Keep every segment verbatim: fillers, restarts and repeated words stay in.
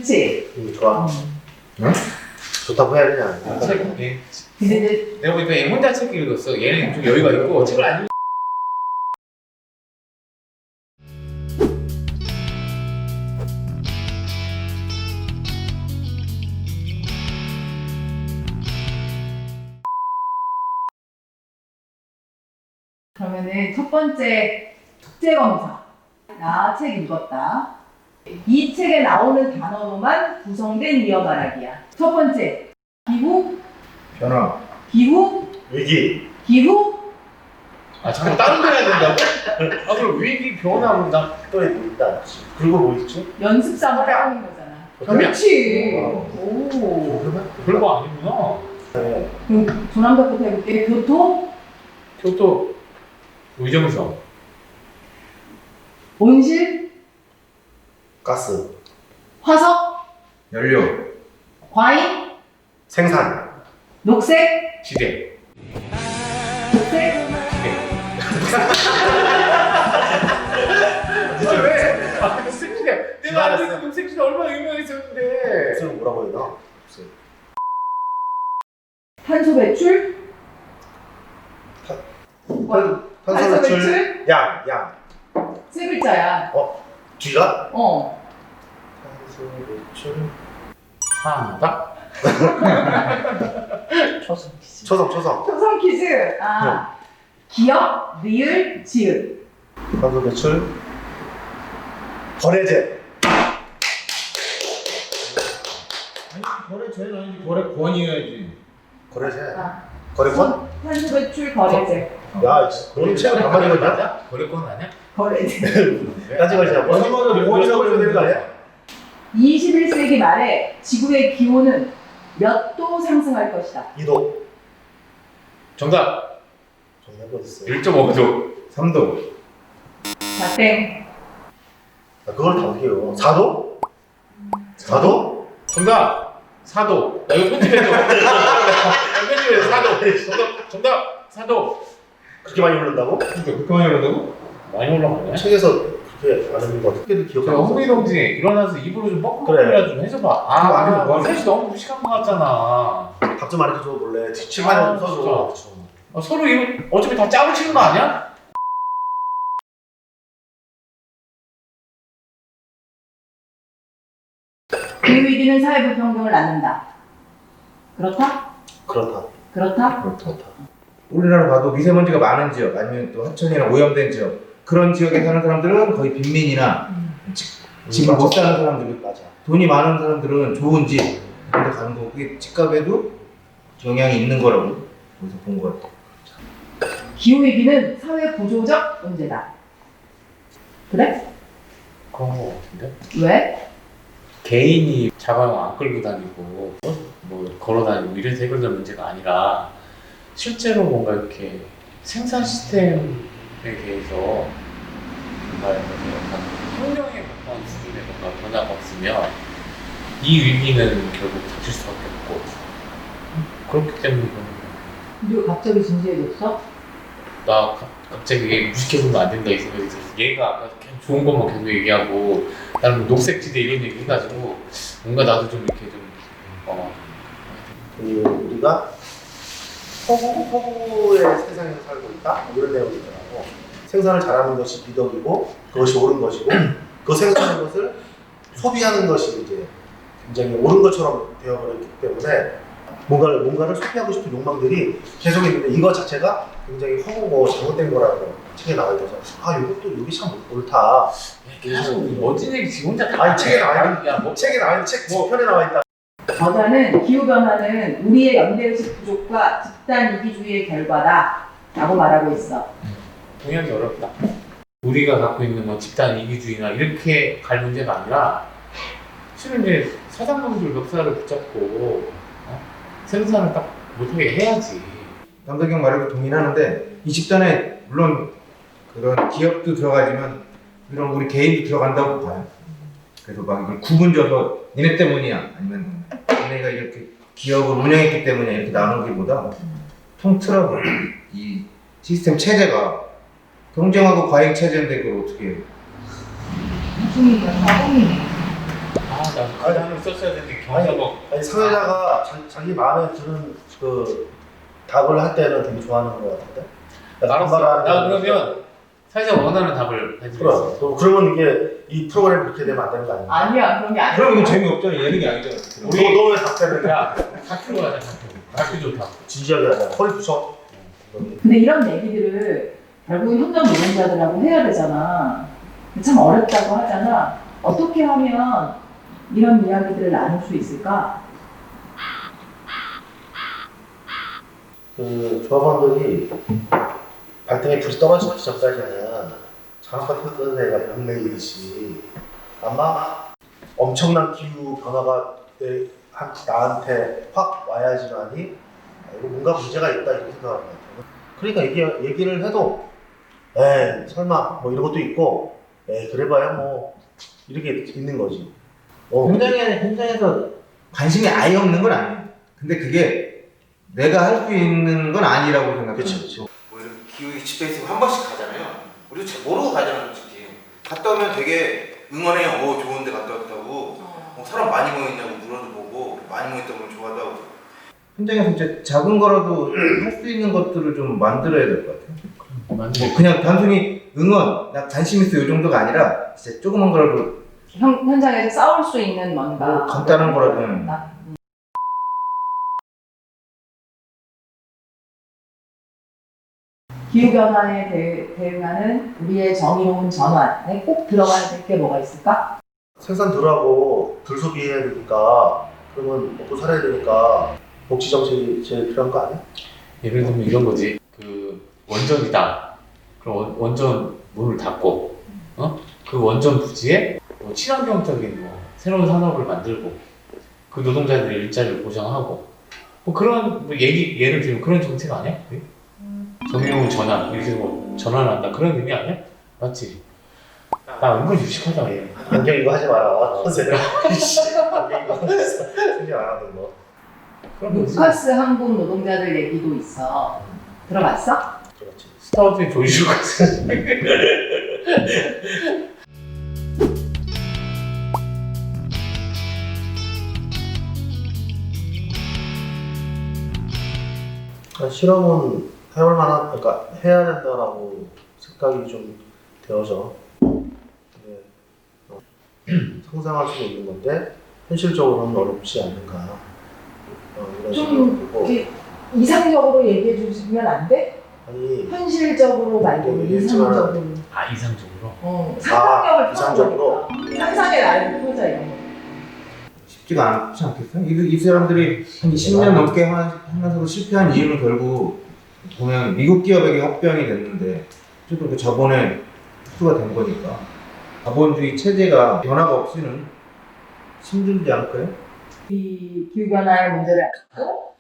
좋지? 음, 좋아. 음. 응? 좋다고 해야 되냐? 아, 책, 얘, 근데 이제 내가 보니까 얘 혼자 책 읽었어. 얘는 좀 여유가 있고 책을 안 읽. 그러면은 첫 번째 국제검사. 나 책 읽었다. 이 책에 나오는 단어로만 구성된 이어 말하기야. 첫 번째, 기후, 변화. 기후, 위기. 기후, 아 잠깐 다른 데 해야 된다고? 아 그럼 위기 변화로 나. 또 있다. 그리고 뭐 있지? 연습 삼아 하는 거잖아. 협약. 그렇지. 어. 오. 별거 아니구나. 그럼 조남자부터 해볼게. 교토, 교토 의정성. 온실, 가스. 화석, 연료. 과잉, 생산. 녹색, 지대. 녹색. 진짜 왜? 아 녹색지대. 내가 알고 있는 녹색지대 얼마나 유명했었는데. 무슨 뭐라고 해야 되나? 무슨. 탄소 배출, 탄- 와, 탄소 탄소 배출. 배출? 양. 양. 세 글자야. 어? 뒤가? 어. 탄소 배출. 하다. 초성 퀴즈. 초성. 초성. 초성 퀴즈. 아. 기억, 리을, 지읒. 탄소 배출. 거래제. 아니 거래제는 아니지 거래권이어야지. 거래제. 아. 거래권? 탄소 배출, 거래제. 야, 너는 책을 가만히 읽었냐? 거래권 아니야? 거래제. 따지고 있자. 뭐 뭐라고 해야 되는 거 아니야? 이십일 세기 말에 지구의 기온은 몇 도 상승할 것이다. 이도. 정답. 정답이 어딨어? 일 점 오 도. 삼 도. 자, 땡. 아, 그걸 다 어떻게 해요? 사도? 사도? 정답. 사 도. 나 이거 편집해줘. 나 편집해줘. 사 도. 정답. 정답. 사 도. 그렇게 많이 오른다고? 그러니까 그렇게 많이 올라가고? 많이 올라가네. 책에서 그렇게 안 하는 거 어떻게든 제가 기억하고 홍미 동지 일어나서 입으로 좀 그래. 뻑뻑이라 좀 해줘봐. 아, 그거 아니면 뭐 하지? 셋이 너무 무식한 것 같잖아. 답좀 많이 해줘 몰래 뒷칠판에 아, 좀 써줘. 아, 서로 이거 어차피 다 짝을 치는 거 아니야? 기후위기는 사회 불평등을 낳는다. 그렇다? 그렇다. 그렇다? 그렇다. 우리나라 봐도 미세먼지가 많은 지역 아니면 또 하천이나 오염된 지역 그런 지역에 사는 사람들은 거의 빈민이나 지- 집을 못 사는 사람들, 맞아. 돈이 많은 사람들은 좋은 집 그런 데 가는 거고 그게 집값에도 영향이 있는 거라고 거기서 본 것 같아. 기후위기는 사회 구조적 문제다. 그래? 그런 거 같은데? 왜? 개인이 자가용 안 끌고 다니고 어? 뭐 걸어 다니고 이래서 해결될 문제가 아니라 실제로 뭔가 이렇게 생산 시스템에 대해서 뭔가 약간 혁명에 가까운 수준의 뭔가 변화가 없으면 이 위기는 결국 닥칠 수밖에 없고 그렇기 때문에 너 갑자기 진지해졌어? 나 가- 갑자기 무식해서는 안 된다 이 생각이 들었어. 얘가 아까 계속 좋은 것만 계속 얘기하고 나는 뭐 녹색지대 이런 얘기 해가지고 뭔가 나도 좀 이렇게 좀 어. 그 우리가 허구, 허구의 세상에서 살고 있다? 이런 내용이 있더라고. 생산을 잘하는 것이 미덕이고 그것이 옳은 것이고 그 생산하는 것을 소비하는 것이 이제 굉장히 옳은 것처럼 되어버렸기 때문에 뭔가를, 뭔가를 소비하고 싶은 욕망들이 계속 있는데 이거 자체가 굉장히 허구고 잘못된 거라고 책에 나와 있어서 아 이것도 여기 참 옳다. 계속 멋진 얘기 지금 혼자 다 아니 책에 나와 있는 야, 뭐 책에 나와 있는 책 뒤편에 나와 있다. 저자는 기후변화는 우리의 연대의식 부족과 집단 이기주의의 결과다 라고 말하고 있어. 동의하기 어렵다. 우리가 갖고 있는 뭐 집단 이기주의나 이렇게 갈 문제가 아니라 실은 이제 사장님들 역사를 붙잡고 어? 생산을 딱 못하게 해야지. 남덕경 말에도 동의하는데 이 집단에 물론 그런 기업도 들어가지만 이런 우리 개인도 들어간다고 봐요. 그래서 막 이걸 구분져서 니네 때문이야 아니면 니네가 이렇게 기업을 운영했기 때문이야 이렇게 나누기보다 통틀어서 이 시스템 체제가 경쟁하고 과잉 체제인데 그걸 어떻게 해? 무슨 사공이네. 아나 가장을 썼어야 되는데 경사가 아니 사회자가 자, 자기 마음에 드는 그 답을 할 때는 되게 좋아하는 것 같은데. 알았어. 나 반발하는 그러면 사회자 원하는 답을 해드리겠어. 그럼 그러면 이게 이 프로그램 그렇게 되면 안 되는 거 아니야? 아니야 그런 게 아니야. 그럼 이거 재미없잖아. 예능이 아니잖아. 우리- 너왜 답변을 야 다큐로 하자 다큐. 다큐 좋다. 진지하게 하자. 허리 부서. 근데 이런 얘기들을 결국 현장 노동자들하고 해야 되잖아. 참 어렵다고 하잖아. 어떻게 하면 이런 이야기들을 나눌 수 있을까? 그 조합원들이 발등에 불이 떨어지기 전까지는 장학과 뜯어내가 영맹이듯이 아마 엄청난 기후 변화가 내, 한, 나한테 확 와야지만이 아, 이거 뭔가 문제가 있다 이렇게 생각하는 것 같아요. 그러니까 얘기, 얘기를 해도 에 설마 뭐 이런 것도 있고 에 그래봐야 뭐 이렇게 있는 거지. 어. 현장에, 현장에서 관심이 아예 없는 건 아니에요. 근데 그게 내가 할 수 있는 건 아니라고 생각해요. 그치, 그치. 뭐 이런 기후 집회에서 한 번씩 가잖아요. 우리도 잘 모르고 가잖아요, 솔직히. 갔다 오면 되게 응원해요. 어, 좋은데 갔다 왔다고. 어, 사람 많이 모였냐고 물어도 보고, 많이 모였다고 그러면 좋아하다고. 현장에서 진짜 작은 거라도 할 수 있는 것들을 좀 만들어야 될 것 같아요. 뭐 그냥 단순히 응원, 나 관심 있어 이 정도가 아니라 진짜 조그만 거라도 현, 현장에서 싸울 수 있는 뭔가 뭐 간단한 거라도 나- 음. 기후변화에 대, 대응하는 우리의 정의로운 전환에 꼭 들어가야 될 게 뭐가 있을까? 생산 덜하고 덜 소비해야 되니까 그러면 먹고 살아야 되니까 복지 정책이 제일 필요한 거 아니야? 예를 들면 이런 거지. 그 원전이다. 그럼 원- 원전 문을 닫고, 어? 그 원전 부지에 뭐 친환경적인 뭐 새로운 산업을 만들고, 그 노동자들의 일자리를 보장하고, 뭐 그런 뭐 얘기 예를 들면 그런 정책 아니야? 그게? 정의로운 전환 이렇게 뭐 전환한다 그런 의미 아니야? 맞지? 나 은근 유식하다 얘. 안경 이거 하지 마라. 안경 이거 생각 안 하던 거. 그런 거지. 루카스 항공 노동자들 얘기도 있어. 들어봤어? 그렇지. 스타워즈의 조이슈 같은. 그러니까 실험은 해볼 만한, 그러니까 해야 된다라고 생각이 좀 되어져. 근데 어, 상상할 수 있는 건데 현실적으로는 어렵지 않는가. 어, 이런 좀 생각이 들고. 이렇게 이상적으로 얘기해 주시면 안 돼? 아니 현실적으로 말고 네, 이상적으로. 아 이상적으로. 어, 상상력을 아, 이상적으로? 펴보니까. 상상의 나를 펴자 이런 거. 쉽지가 않지 않겠어요? 이, 이 사람들이 한 이십 년 넘게 하- 하면서도 실패한 이유는 결국 보면 미국 기업에게 합병이 됐는데 어쨌든 그 자본의 흡수가 된 거니까 자본주의 체제가 변화가 없이는 힘들지 않을까요? 이 기후변화의 문제를 안고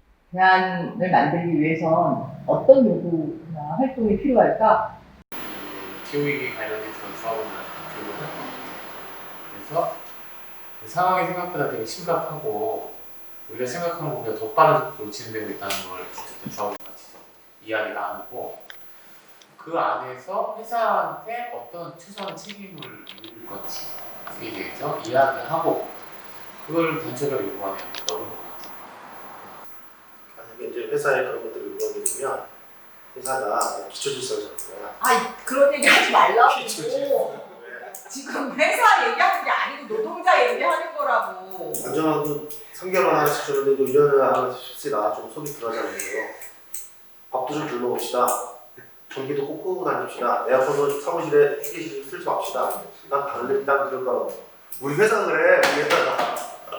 대안을 만들기 위해선 어떤 요구나 활동이 필요할까? 기후위기 관련해서 조합원을 교육을 할 거예요. 그래서 이 상황이 생각보다 되게 심각하고 우리가 생각하는 것보다 더 빠른 속도로 진행되고 있다는 걸 어쨌든 조합원 같이 이야기 나누고 그 안에서 회사한테 어떤 최소한 책임을 물을 건지에 대해서 이야기하고 그걸 단체로 요구하는 게 어려운 것 같아요. 만약에 이제 회사에 그런 것들을 요구하게 되면 회사가 기초질서를 잡는 거야. 아 그런 얘기 하지 말라고. 기초질서. 지금 회사 얘기하는 게 아니고 노동자 얘기하는 거라고. 안전하고 삼 개월만 하나씩 주는데도 일 년을 하나씩 씁시다. 좀 소비 들어가자는 거예요. 밥도 좀 굶어봅시다. 전기도 꼭 끄고 다닙시다. 에어컨도 사무실에 휴게실 쓸지 맙시다. 난 다른 난 그럴 거라고. 우리 회사 그래. 우리 회사가.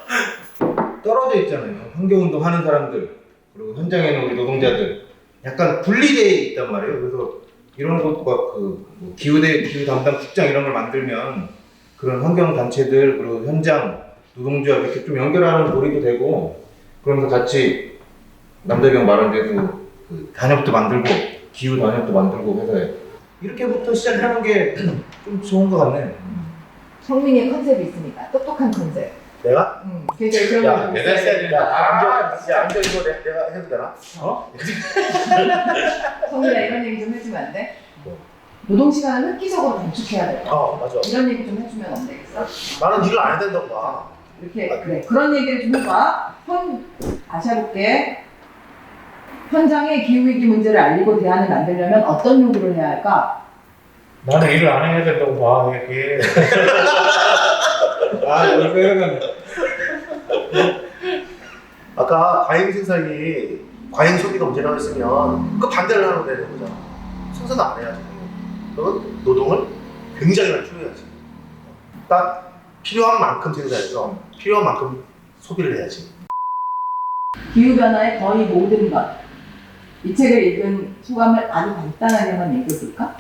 떨어져 있잖아요. 환경운동 하는 사람들 그리고 현장에 있는 우리 노동자들 약간 분리되어 있단 말이에요. 그래서 이런 것과 그뭐 기후대 기후 담당 국장 이런 걸 만들면 그런 환경 단체들 그리고 현장 노동자 이렇게 좀 연결하는 고리도 되고 그러면서 같이 남자경 말한 대로 그 단협도 만들고 기후 단협도 만들고 회사에 이렇게부터 시작하는 게 좀 좋은 것 같네. 성민이의 컨셉이 있으니까 똑똑한 컨셉. 내가? 응. 그래서 그런 야, 거 매달 써야 야, 된다. 안경, 야, 안경 이거 내, 내가 해도 되나? 어? 성민아 이런 얘기 좀 해주면 안 돼? 뭐? 노동 시간을 획기적으로 단축해야 돼요. 어 맞아. 이런 얘기 좀 해주면 안 되겠어? 나는 일을 안 해야 된다고 봐. 이렇게 그래 그런 얘기를 좀 해봐. 현 다시 해볼게. 현장의 기후위기 문제를 알리고 대안을 만들려면 어떤 요구를 해야 할까? 나는 일을 안 해야 된다고 봐. 이게 아 이거 이거는 아까 과잉 생산이 과잉 소비가 문제라고 했으면 그 반대를 하면 되는 거잖아. 생산도 안 해야지. 그건 노동을 굉장히 많이 줄여야지. 딱 필요한 만큼 생산해서 필요한 만큼 소비를 해야지. 기후변화의 거의 모든 것. 이 책을 읽은 소감을 아주 간단하게만 얘기해볼까?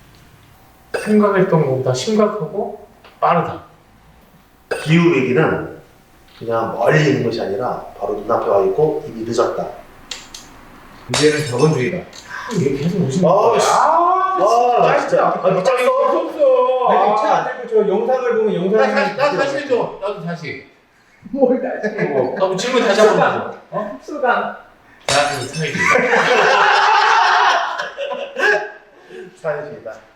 생각했던 것보다 심각하고 빠르다. 기후 위기는 그냥 멀리 있는 것이 아니라 바로 눈앞에 와 있고 이미 늦었다. 문제는 자본주의다. 아, 이게 계속 무슨 아, 거야? 씨. 아, 나 진짜. 아, 미쳤어? 없어. 아니 차안 들고 저 영상을 보면 영상이 나, 나 다시 해줘. 나도 다시. 뭘 다시 해. 어, 나도 질문 다시 한번 해줘. 어? 수감. 대한민국 사회주의. 사회주의다.